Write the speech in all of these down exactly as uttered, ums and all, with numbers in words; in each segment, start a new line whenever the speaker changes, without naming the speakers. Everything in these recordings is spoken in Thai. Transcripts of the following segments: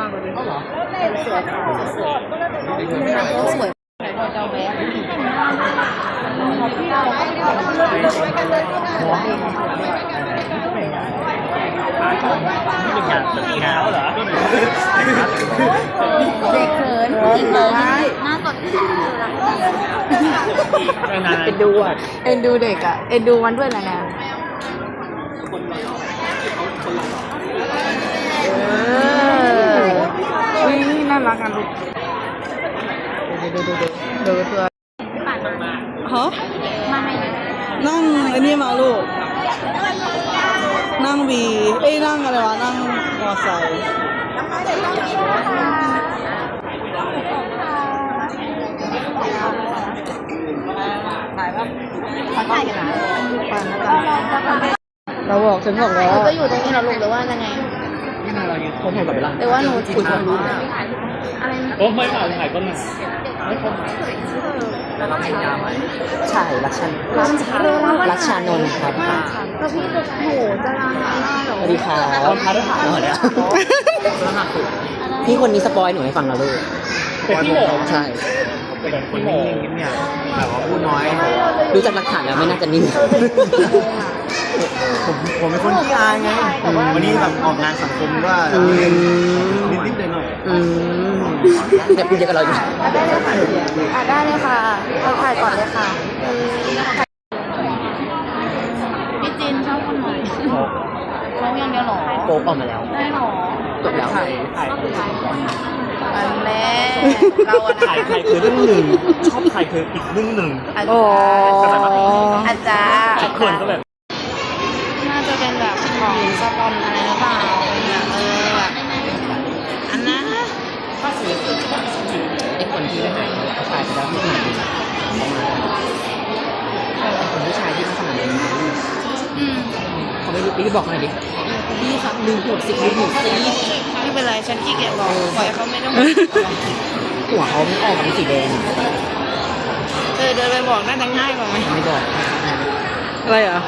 ากเลยเหรอสวยสวยสวยเจ้าแม่เด็กเขินจริงเลยหน้าสดเอ็นดูอ่ะเอ็นดูเด็กอ่ะเอ็นดูมันด้วยนะนะเออวิ่งน่ารักกันลูกดูดูดูดูดูตัวฮะนั่งอันนี้มาลูกนั่งวีเอ้ยนั่งอะไรวะนั่งมอไซค์ถ่ายครับถ่ายกันนะเราบอกฉันบอกแล้วก็อยู่ตรงนี้เราลงหรือว่ายังไงคนถ่ายกับเวลาแต่ว่าหนูคุยความรู้อะไรโอ้ไม่ถ่ายถ่ายก็มาไม่คนถ่ายแล้วเราเป็นยาไหมใช่รักชันรักชานนท์ครับก็พี่จะโหจะลาหรอสวัสดีค่ะเราพาได้ถามหน่อยเนี่ยพี่คนนี้สปอยหนูให้ฟังเราด้วยพี่หมอใช่เป็นคนนิ่งๆเนี่ยแบบว่าพูดน้อยดูจากหลักฐานแล้วไม่น่าจะนิ่งผมผมเป็นคนที่อายไงวันนี้แบบออกงานสังคมว่านิดๆหน่อยๆแต่พูดเยอะกับเราอยู่ได้เลยค่ะได้เลยค่ะเราถ่ายก่อนเลยค่ะพี่จินชอบคนไหนน้องยังเดียวหรอโป๊กออกมาแล้วได้หรอจบแล้วถ่ายอันแม่เราถ่ายใครคือเรื่องหนึ่งชอบใครคืออีกเรื่องหนึ่งโอ้อาจารย์เขินก็แบบน่าจะเป็นแบบของสปอนอะไรหรือเปล่าแบบเออแบบอันนั้นก็คือไอ้คนที่ได้ถ่ายเขาถ่ายไปแล้วไม่ขนาดนี้คนผู้ชายที่ไม่ขนาดนี้อืมเขาไม่รู้พี่บอกหน่อยดิพี่ครับลืมหัวสิลืมหัวสิไม่เป็นไรฉันขี้เกียจบอกปล่อยเขาไม่ต้องหัวเขาไม่ออกเป็นสีแดงเออเดินไปบอกน่าจะง่ายกว่าไหมไม่บอกอะไรอ่ะ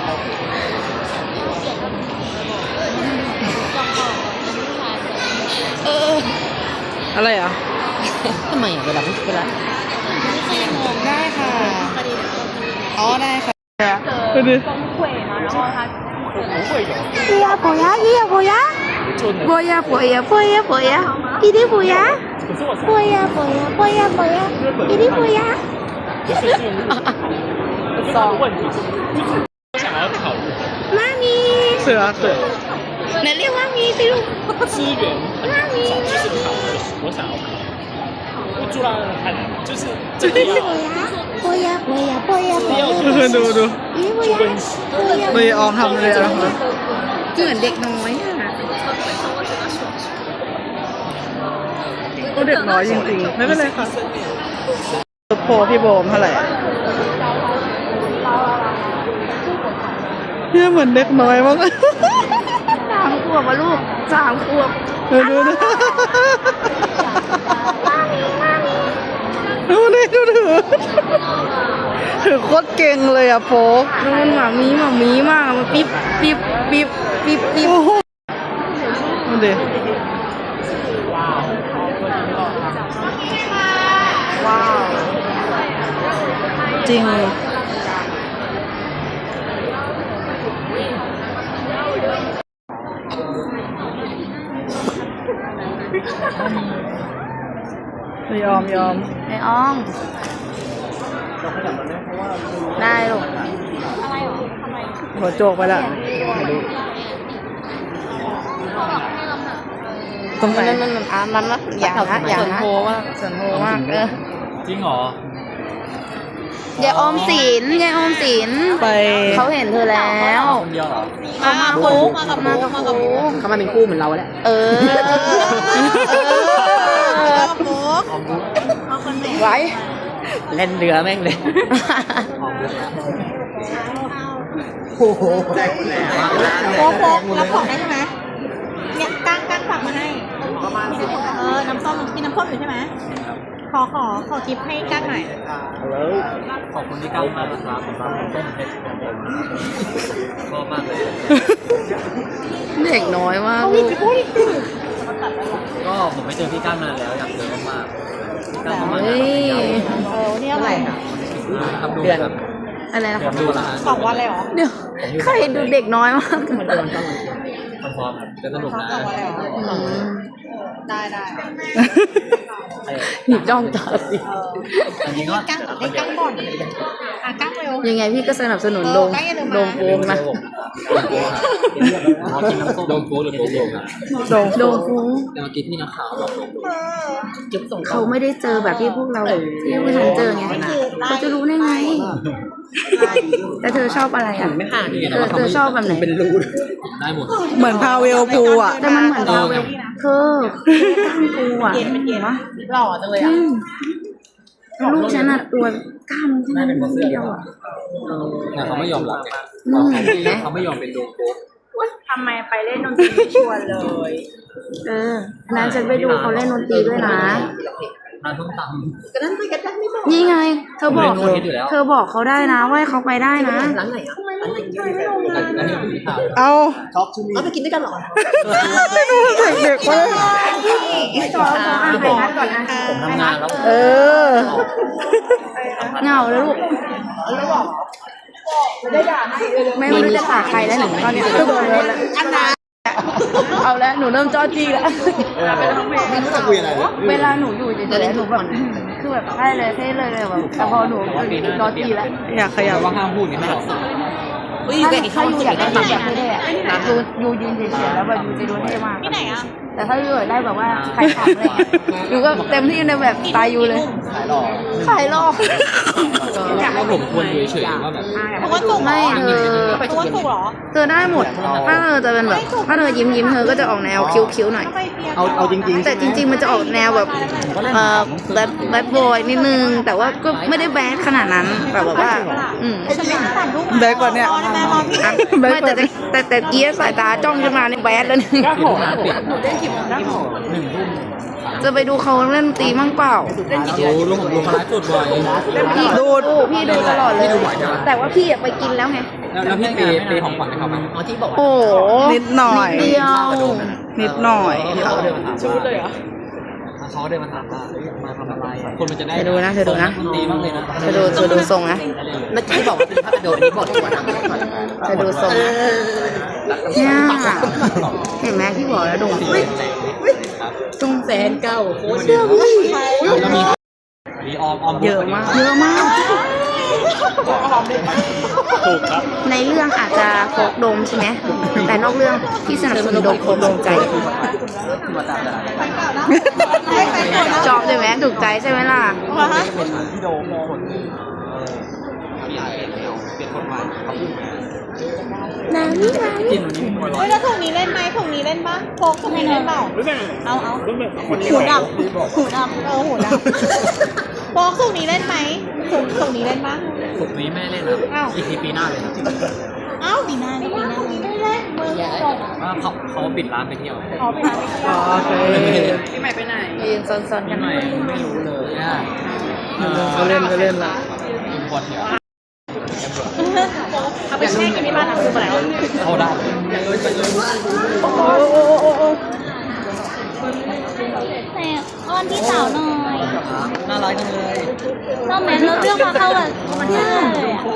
เอออะไรอ่ะทำไมอ่ะเวลาเวลาได้ค่ะอ๋อได้ค่ะไปดิ不要不要，也要不要，不要不要不要不要，一定不要，不要不要不要不要，一定不要。上问题就是想要考虑。妈咪。是啊，是。能练妈咪，比如。资源。妈咪。就是考，我想要考。会做到很难，就是这个要。不要不要不要不要。ดูดูไม่ออมทำเลยนะเหมือนเด็กน้อยอ่ะก็เด็กน้อยจริงๆไม่เป็นไรค่ะโพพี่โบมเท่าไหร่เนี่ยเหมือนเด็กน้อยมากสามขวบวะลูกสามขวบดูดูดูดูนี่ดูถือถือโคตรเก่งเลยอะโฟกดูมันหมามีหมามีมากมันปิ๊บปิ๊บปิ๊บปิ๊บปิ๊บดูดิว้าวจริงไม่ยอมยอมไม่อ้องได้ลูกอะไรหรอทำไมหัวโจกไปละตรงไหนมันมันอ่ะมันมันอย่างนะอย่างนะส่วนโพว่าส่วนโพมากเออจริงเหรอยายออมสินยายออมสินไปเขาเห็นเธอแล้วเขามาคู่มากับมากับมากับเขามาเป็นคู่เหมือนเราแหละเออไว้เล่นเรือแม่งเลยโอ้โหโป๊กโป๊กรับของได้ใช่ไหมเนี่ยก้างก้างฝากมาให้เออน้ำส้มมีน้ำส้มอยู่ใช่ไหมขอขอขอทิปให้ก้างหน่อยขอบคุณที่ก้างมากนะครับผมรับน้ำส้มเพชรชอบมากเลยเด็กน้อยมาก
ก็ผมไม่เจอพี่ก้านมานานแล้วอยากเจอมากๆพี่ก้านเข้ามา
เฮ้ย
เออวันนี้อะไรอ่ะ
ทำดูครับ
อะไรนะ
เดี๋ยวดูละ
สองวันเลยเหรอ
เดี๋ยวใครดูเด็กน้อยมาก
คอนฟอร์มครับจะสนุกนะ
สองวันเลยเหรอ
อืม
ได้ได้
หนีจ้องตาสิ
อันนี้ก็
กั้งเล่นกั้งบ่อนอ่ะกั้งเร็ว
ยังไงพี่ก็สนับสนุนโดมโดมโฟมนะ
กินน้ำส้มโดนโค้ดหรือโค้ดโดนครับ
โดมโดมโฟม
แต่เมื่อกี้ที่นักข่าวบอกโดน
เขาไม่ได้เจอแบบที่พวกเราที่พวกฉันเจอไงเขาจะรู้ได้ไง แต่เธอชอบอะไรอ่ะเธอเธอชอบแบบไหน
เป็นรูได้หมด
เหมือนพาเวลพูอ่ะ
แต่มันเหมือนเราเธอก้ามกูอ่ะ
เย็นเป็นเย็นหล่อจังเลยอ่ะ
ลูกฉันอ่ะตัวกล้ามแค่นั้นเดียวอ่ะ
แต่เขาไม่ยอมรับไง
อืม
เขาไม่ยอมเป็นโดนโค้ด
ทำไมไปเล่นดนตรีไม่ชวนเลย
เออนั้นฉันไปดูเขาเล่นดนตรีด้วยนะ
ทานส้มตำ
ก็นั่นไปกันได้ไม่บอก
นี่ไง เธอบอก
เล่นนวดอยู่แล้ว
เธอบอกเขาได้นะว่าให้เขาไปได้นะ
ร้านไหนอ่ะร้านไหน
อันนี้คือข่าว
เอา
เอาไปกินด้วยกันเหรอ
เด็กๆว่า
ต่อต่ออ่านไปนัดก่อนนะ
ผมทำงานแล้ว
เออ
เหงาแล้วลูก ไม่ไม่รู้จะฝากใครแล้วหนูตอนนี้ก็โดนแล้ว
อันนั้น
เอาแล้วหนูเริ่มจ้อจี้แล้ว
ไม่รู้จะคุยอะไรเลย
เวลาหนูอยู่เฉยๆหนูแบบคือแบบใช่เลยเท่เลยเลยแบบแต่พอหนูจ้อจี้แล้ว
อยากขยับ
ว่าห้ามพูดไงไม่หรอก
ถ้าถ้าอยู่อยากได้แบบเท่ๆอะยูยูยืนเฉยๆแล้วแบบยูจะดูเท่มาก
ที่ไหนอ่ะ
แต่ถ้ายูอยากได้แบบว่าใครขำอะไรเงี้ยยูก็เต็มที่ในแบบสไตล์ยูเลย
ขายหลอก
ขายหลอก
ว่าผมควรอยู่เฉยๆว่าแบบ
เพราะว่าสุก
ไม่เธอ
เพราะว่าสุกเหรอ
เธอได้หมด ถ้าเธอจะเป็นแบบ ถ้าเธอยิ้มยิ้มๆเธอก็จะออกแนวคิ้วๆหน่อย
ไปเปียก
เอาเอาจริงๆ
แต่จริง ๆ มันจะออกแนวแบบเอ่อแบดแบดบอยนิดนึง แต่ว่าก็ไม่ได้แบดขนาดนั้นแบบว่า อืม
ฉันไม่ตัดลูก
แบกกว่าเนี่ย
รอได้ไหมรอพี่
อ่ะไม่แต่แต่แต่เกียร์สายตาจ้องขึ้นมาในแบดแล้วนี่
หนูเล่นกี่โมงหนึ่งทุ่ม
จะไปดูเขาเล่นดนตรีมั่งเปล่า
ดูลุงลุงมาไลฟ์สดบ่อย
พี่
ดู
ดูพี่ดูตลอดเลย แต่ว่าพี่อะไปกินแล้วไง
แล้วพี่เปย์เปย์ของขวัญให้เขาไหมอ๋อที่บอก
โอ้โห
นิดหน่อย
นิดเดียว
นิดหน่อย
เขาเดินมาถามชุดเลยเหรอเขาเดินมาถามว่ามาทำอะไรคนมันจะได้
เธอดูนะเธอดูนะ
ดีมากเลยนะ
เธอดูเธอดูทรงนะ
เมื่อกี้บอกว่าเป็นพระกระโดดนี้บอกดีกว่านะ
เธอดูทรงนะเนี่ยเห็นไหมพี่บอกแล้วดูทรงแสนเก้าโคตรเยอะพี่
แล้วมีมีออมออม
เยอะมาก
เยอะมาก
ถูกครับ
ในเรื่องอาจจะโฟกโดมใช่ไหมแต่นอกเรื่องพี่สนับสนุนโดมโฟกโดมใจชอบใช่ไหมถูกใจใช่ไหมล่ะ
พี่โดมคนเปลี่ยนเปลี่ยนคนใหม่เขาพูด
นานี่นานี่
กินนี่หัวร้อ
เฮ้
น
ยแล้วถุงนี้เล่นไหมถุงนี้เล่นปะโฟกถุงนี้เล่นเปล่าเอาเอาหูดับหูดับเออหูดับโฟกถุงนี้เล่นไหมถุงถุงนี้เล่นปะ
สุกนี้แม่เล่นครับอีกทีปีหน้าเลยครับ
เอ้าปีหน้านี่ปีหน้าไม่เล่นมือจบ
ว่าเขาเขาปิดร้านไปเที่ยว
อ๋อไปร้านไม่ได้
โอเค
พี่ใหม่ไปไหน
ยืนซนๆกั
ยั
น
ง
ห
ไง
น่อย
ไม่รู้เลยอ่ะ
เขาเล่นเขาเล่นละ
อินพอร์ตเนี่ย
เอาไปแช่กันที่บ้านคืออะไร
เขาได้
แต่อ้อนพี่สาวหน่อย
น่ารักจังเลย
ชอบไหมเราเรื่องมาเข้าแบบมันง่ายเลยอ่ะ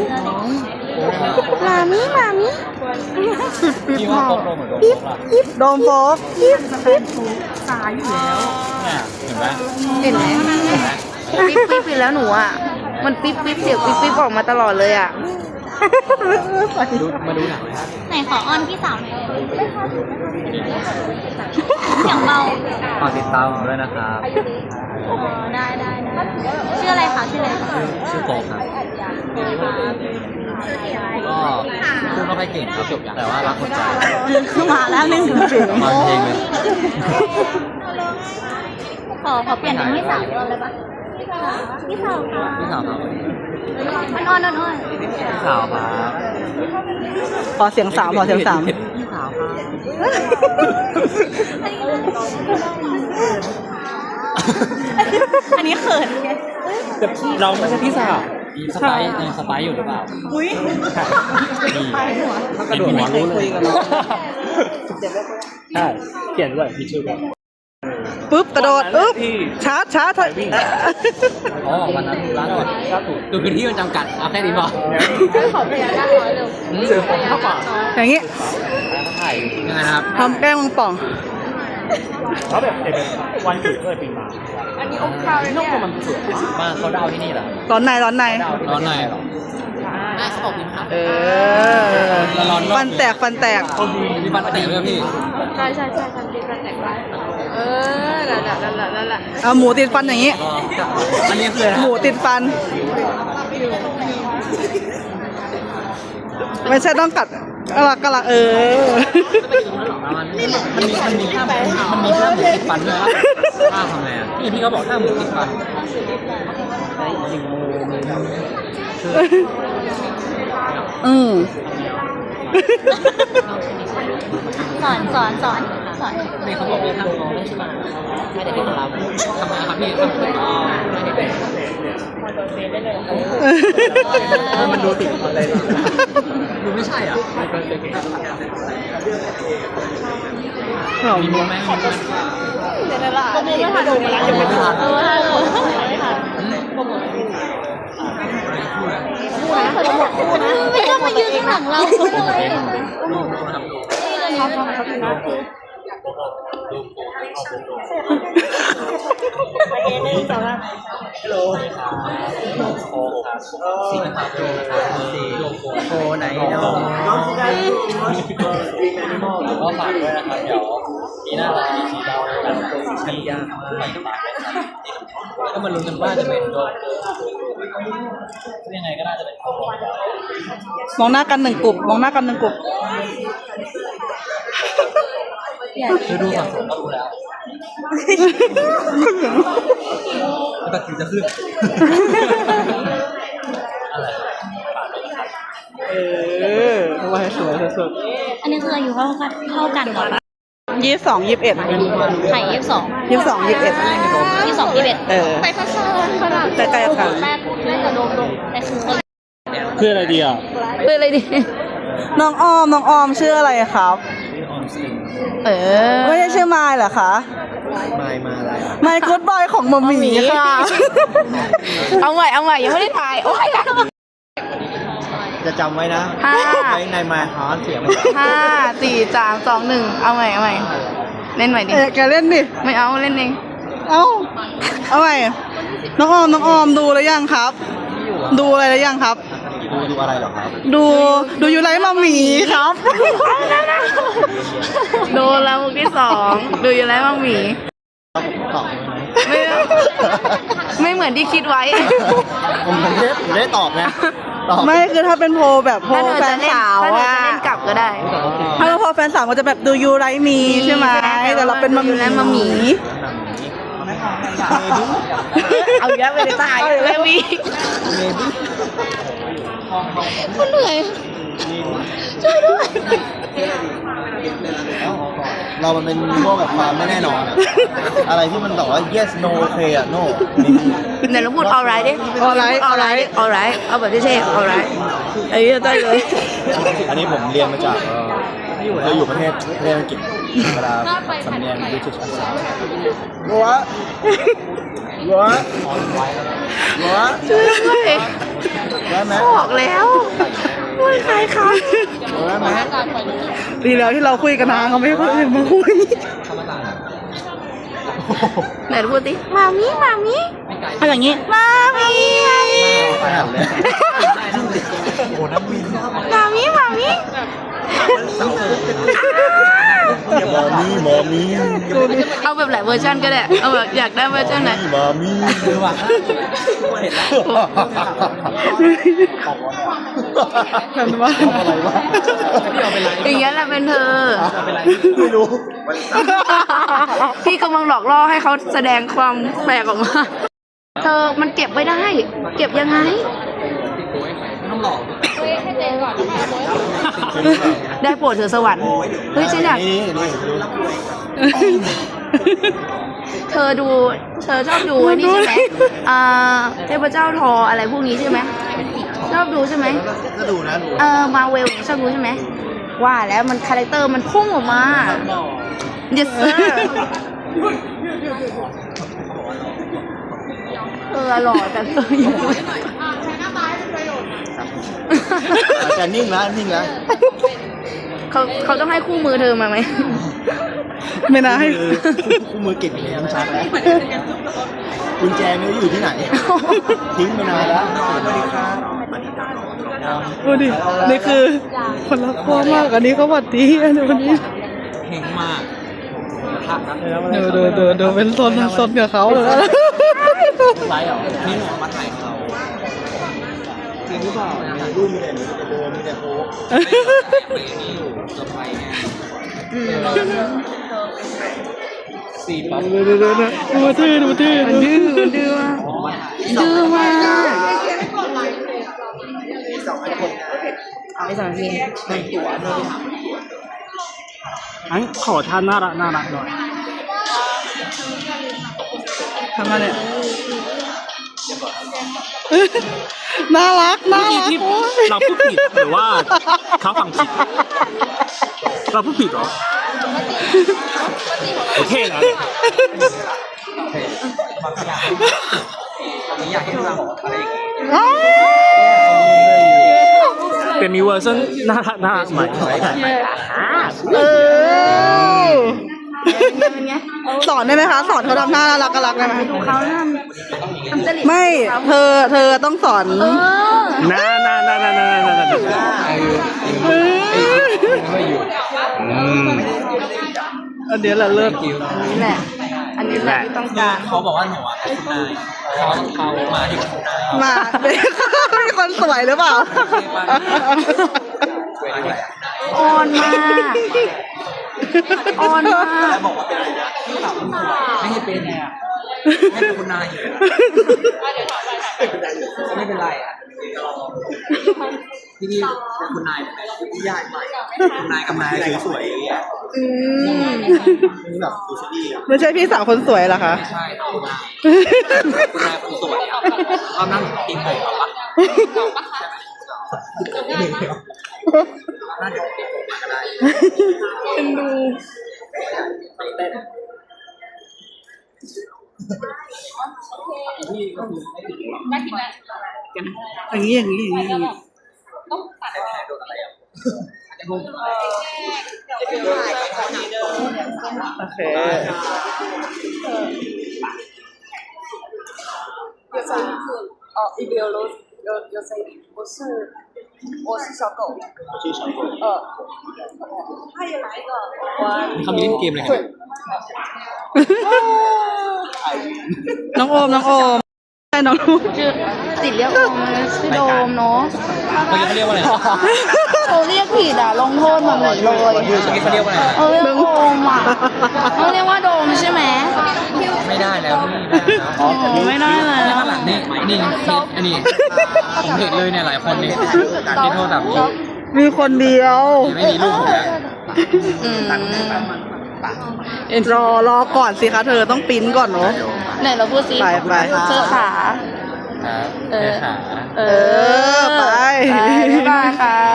มามิมามิ
พี่ว่าโปรเหมือนโดมป่ะ
โดมโฟก
เนี่ยเห็นไหม
เห็นไหมปิ๊บปิ๊บไปแล้วหนูอ่ะ มันปิ๊บปิ๊บเสียงปิ๊บปิ๊บออกมาตลอดเลยอ่ะ
ดูมาดูหนังไหมครับ
ไหนขออ้อนพี่สาวหน่อยเสียงเบา
ฝากติดตามผมด้วยนะครับ
อ๋อได้ได้ได้ชื่ออะไรคะชื่ออะไรคะ
ชื่อโฟกครับก็พูดไม่ค่อยเก่งครับจบแต่ว่ารักคนใจ
คือมาแล้วหนึ่งถึง
มาเพลงเลย
ขอขอเปลี่ยนเป็นพี่สาวก่อนเลยปะพี่สาวค่ะ
พี่สาวครับ
มันอ้อนอ้อนอ้อน
พี่สาวครับ
ขอเสียงสามขอเสียงสาม
พี่สาวครับ
อันนี้เขินไง
เราไม่ใช่พี่สาวมีสไปซ์ยังสไปซ์อยู่หรือเปล่า
อุ้ย
ถ้ากระโดดหัวรู้เลย
ใช่เขียนด้วยมีชื่อด้วย
ปึ๊บกระโดดปึ๊บชาร์จชาร์จถอย
อ๋อวันนั้นร้านสุดดูพื้นที่มันจำกัดเอาแค่นี้พอ
ขอพยาด้านน้อยเร็วเจอผมเข้าป่า
อย่างงี้
ถ่ายยังไงนะครับ
ทำแกล้งมังป่อง
เขาแบบเด็กวันเกิดเกิดปีมาอันนี้องค์ข้าวเนี่ยนกมันสวย
มาเขาดาวที่นี่เหรอ
ร้อนในร้อนใน
ร้อนหน่อยเหรอน่าเขาบอกดีครับ
เออฟันแตกฟันแตก
มีฟันแตกด้วยพี่
ใช่ใช่ใช่ทำดีกันแต่งได้เออนั่นแหละนั่นแหละนั่นแหละ
เอาหมูติดฟันอย่างงี้
อันนี้คืออะไร
หมูติดฟัน ไม่ใช่ต้องกัดกะละกะละเออ
มันมีมันมีมันมีท่ามันมีท่าหมูติดฟันด้วยท่าทำไงอ่ะพี่พี่เขาบอกท่าหมูติดฟัน
อืม
สอนสอนสอนสอน
นี่เขาบอกว่าท่าน้องใช่ไหมให้เด็กๆทำทำไมครับพี่ให้เด็กๆมันดูติดอะไรดูไม่ใช่อ่ะมีโมไหมมีไหม
เดี๋ยวละก็ไม่ทันดูมาแล้วยังไม่ทันเออทันไม่ทัน
ไม่ต้องมายืนข้างหลังเราเลย
สีนะครับสีโคไหนเนาะก็ฝากด้วยนะครับเดี๋ยวปีหน้าเรามีสีดาวกันชั้นยากใหม่ตามก็มาลุ้นกันว่าจะเป็นตัวยังไงก็น่าจะเป็นตัว
มองหน้ากันหนึ่งกลุ่มมองหน้ากันหนึ่งกลุ่ม
คือดูฝั่งผมก็รู้แล้วแต่ถึงจะขึ้นอะไร
เออไว้สวยสุด
อันนี้คืออายุเท่ากันเท่ากันก่อน
ยี่สิบสองยี่สิบเอ็ด
ไข่ยี่สิบสอง
ยี่สิบสองยี่สิบเอ็ด
ยี่สิบสองยี่สิบเอ็ด
เออ
ไปข้างๆขนาด
ใกล้ๆกัน
แม่แม่จะโดนโดนแต่คือคน
คืออะไรดีอ่ะ
เป็นอะไรดี
น้องออมน้องออมชื่ออะไรครับ
ออมสิน
เออ
ไม่ใช่ชื่อไมล์เหรอคะ
ไม่มาอะไร
ไมล์กู๊ดบอยของมัมมี่ค่ะ
เอาใหม่เอาใหม่ยังไม่ได้ถ่ายโอ้ย
จะจำไว้นะ
ห้า
ไว้ในมาฮาร์ดเสียง
ห้าสี่สามสองหนึ่งเอาใหม่เอาใหม่เล่นใหม่ดิ
เออแกเล่นดิ
ไม่เอาเล่นเอง
เอ้า เอาใหม่น้องออมน้องออมดูแล้วยังครับ ดูอะไรแล้วยังครับ
ดูดูอะไรหรอครับ
ดูดูยูไลท์มัมมี่ครับ
โดนแล้วมุกที่สองดูอยู่แล้วบ้างหมี
ตอบ
ไม่ไม่เหมือนที่คิดไว้
ผมผมได้ผมได้ตอบไงตอบ
ไม่คือถ้าเป็นโพลแบบโพล
ถ้าเธอ
แฟ
จะ
น
เล่น
สาว
ถ้าเธอ
อะ
จะเล่นกลับก็ได้
ถ้าเราโพลแฟนสาวก็จะแบบดูยูไลท์มีใช่ไหมแต่เราเป็นมัม
ดูแล้วมัมหมี่ เอาอีกแล้วไม่ได้ตายแล้ววีคุณเหนื่อยช่วยด้วย
เรามันเป็นพวกแบบความไม่แน่นอนอะอะไรที่มันแบบว่า yes no okay อะ no
ไหนเราพูด alright ดิ
alright alright
alright เอาแบบเท่ๆ alright เอ้ยได้เลย
อันนี้ผมเรียนมาจากเราอยู่ประเทศประเทศอังกฤษเวลาสำเนียง British accent หัวหัวหัว
ช่วยด้วย
ได้ไหม
บอกแล้วว่าใครคะ
ได้ไหม
ดีแล้วที่เราคุยกันนะเขาไม่ให้คนอื่นมาคุย
ไหนพูดสิมามิมามิ
เอาอย่างนี้
มามิมามิ
ขนาดเลยโอ้น้ำวิน
มามิมามิ
มอมี่มอมี่
เอาแบบหลายเวอร์ชันก็ได้เอาแบบอยากได้เวอร์ชันไหน
มอมี่คือว่าเห็นแล้ว
กันว่า
อะไรวะพี่เอาไปไลฟ์
อย่างเงี้ยแหละเป็นเธอ
เอาไปไลฟ์ไม่รู้
พี่กำลังหลอกล่อให้เขาแสดงความแปลกออกมา เธอมันเก็บไว้ได้ เก็บยังไง
ต้องหลอก
ได้โปรดเธอสวรรค์ เฮ้ยฉันอยาก
นี่นี่ดู
เธอดูเธอชอบดูไอ้นี่ใช่ไหมอ่าเทพเจ้าทออะไรพวกนี้ใช่ไหมชอบดูใช่ไหม
ก็ดูนะดู
เออมาเวลชอบดูใช่ไหมว่าแล้วมันคาแรคเตอร์มันพุ่งออกมา yes sir เออหล่อแต่เธออยู่
แต่นิ่งแล้วนิ่งแล้ว
เขาเขาต้องให้คู่มือเธอมาไหม
ไม่น่าให้
คู่มือเก็บอยู่ในน้ำชักแล้วกุญแจไม่รู้อยู่ที่ไหน ทิ้งไปนานแล้วสวัสดีครับ
ดูดินี่คือคนรักพ่อมากอันนี้เขาหวัดดีอันนี้วันนี้
เฮงมาก
เดูดูดูดูเป็นซนซนกับเขาเลย
ไลฟ์เหรอนี่หนูมาถ่ายเขาจริงหรือเปล่าในรูปมีแต่หนูมีแต่โบมีแต่โค้กนี่อยู่เซอร์ไพรส์ไงสี่ปั๊บ
ดูดูดูดูดูทื่อดูทื่อดื้อดื้อ
ดื้อมาก
สองคน
เอาไปสองที
แต่งตัวเลย
อันขอท่าน่ารักน่ารักหน่อย
ทำมาเนี่ยน่ารักน่า
เมื่อกี้
รัก
ที่เราพูดผิดหรือว่าเขาฟังผิด เราพูดผิดเหรอ โอเคนะ
อยากให้เราอะไรอย่างเงี้ย
เป็นมีเวอร์ชันน่ารักน่ารักใหม่
เออ
เป็นไง
สอนได้ไหมคะสอนเขาทำหน้าน่ารักน่ารักได้ไหม
ดูเขาทำทำจริต
ไม่เธอเธอต้องสอน
เออ
น่าน่าน่าน่าน่าน่าน่า
ไม่อยู่
อันเดียวแหละเลิศ
นี่แหละ อันนี้แหละที่ต้องการ
เขาบอกว่าหนูอ่ะเป็นนายเขาเขามาถึงนาย
มาเด็กมีคนสวยหรือเปล่า
อ่อนมากอ่อนมาก
บอกว่าเป็นอะไรนะไม่ให้เป็นไงอ่ะให้เป็นคุณนายอยู่ไม่เป็นไรอ่ะที่นี่เป็นคุณนายที่ยากใหม่คุณนายกับนายสวยๆอย่างเงี้ย
อืม
นี่แบบดูซีรีส์อ่ะ
ไม่ใช่พี่สาวคนสวยเหรอคะ
ใช่คุณนายคุณนายคนสวยอ่ะตอนนั่งกินผมเหรอวะน่าจะติดผมก็ได้
เป็นดู อย่างนี้อย่างนี้อย่างนี้อย่างนี้โอเค
哦，一边有有有谁？我是我是小狗。
ชื่อชองโก
呃，他也来一个。我
เขามีเล่นเกมอะไรกัน
น้องโอมน้องโอมใช่น้องลูก
ชื่อติดเรียกโอมมันชื่อโดมเนาะ
เมื่อกี้เขาเรียกว่าอะไร
เขาเรียกผิดอ่ะลงโทษมาหมดเลย
เมื่อกี้เขาเรียกว่าอะไร
เออเรียกโอมอ่ะเขาเรียกว่าโดมใช่ไหม
ไม่ได้แล้วนี่
อ๋อไม่ได้เลย
ข้างหลังนี่นี่อันนี้ผมเห็นเลยเนี่ยหลายคนนี่ที่โทษแบบ
มีคนเดียว
ไม่มีลูกผมแล้ว
อืม
รอรอก่อนสิคะเธอต้องปริ้นก่อนเนาะ
ไหนเราพูดสิ
ไปไป
เธอขา
ครับ
เออ
ขา
เอ
อไป
ไปบ๊ายบายครับ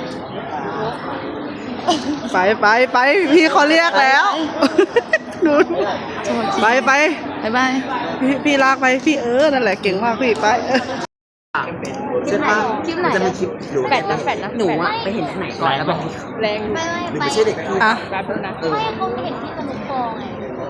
ไปไปไปพี่เขาเรียกแล้วดูไปไป
บ๊ายบาย
พี่พี่ลากไปพี่เออนั่นแหละเก่งมากพี่ไปเออ
คลิปไหนคลิปไหน
จะมีคลิปอยู่
แฟดนะแฟดนะหนูอ่ะไปเห็นที่ไหน
ก่อนแล้วแบบ
แรง
ไม่ไม่
ไม่ใช่เด็กพี่
อ่ะ
ไม่เขาเห็นที่สนุกฟองไง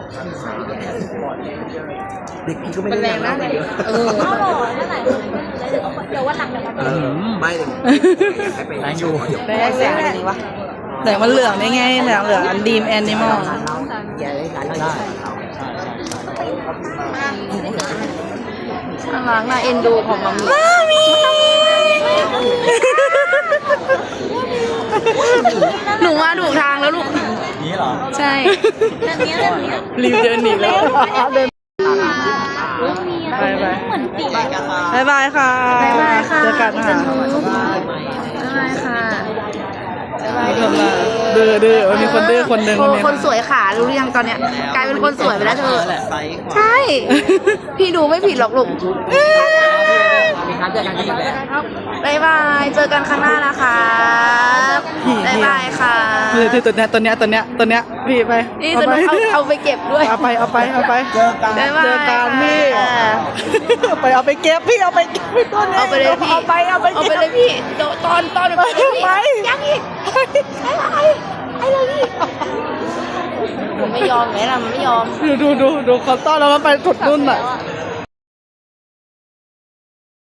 เด็กพี่ก็ไม่
มันแรงนะเนี่ยเออ
เอาหรอนั่นแหละเดี๋ยววันหลังเดี๋ยวมา
เออไม่เลยให้ไปแรงอยู่
แรงแสงอะไรนี่วะ
แต่มันเหลืองได้ไงเหลืองเหลืองอันดีมแอนิมอล
น่ารักน่าเอ็นดูของมัมมี่หนูมาถูกทางแล้วลูก
นี่เหรอ
ใช่
แบบนี้แบบนี้
รีบเดินหนีแล้วเดินไปไป
เหมือนปีก
บายบายค่ะ
บ๊ายบายค่ะ
เจอกันค่ะ
บ๊ายบายค่ะบ๊ายบาย
ทำมาดูดื้อดื้อมันมีคนดื้อคนหนึ่ง
โอ้
วันนี้
คนสวยขารู้หรือยังตอนเนี้ยกลายเป็นคนสวยไปแล้วเธอใช่ พี่ดูไม่ผิดหรอกลูกบ๊ายบายเจอกันครั้งหน้านะคะบ๊ายบายค่ะ
นี่ตัวเนี้ยตัวเนี้ยตัวเนี้ยตัวเนี้ยพี่ไป
นี่จะเอาเอาไปเก็บด้วย
เอาไปเอาไปเอาไปเจอกัน
บ๊ายบาย
เจอกันพี่
ค่ะ
เอาไปเอาไปเก็บพี่เอาไปเก็บพี่ตัวเนี้ย
เอาไปเลยพี่
เอาไปเอาไป
เอา
เก็
ไป
บ
เลยพี่เดี๋ยวตอนตอนเดี๋ยวไปเลยพี่
ไป
ยังอีกอะไรไอ้เลยพี่มันไม่ยอมไหมล่ะมันไม่ยอม
ดูดูดูดูเขาต้อนแล้วมันไปถุดนุ่นอ่ะ
แล้ว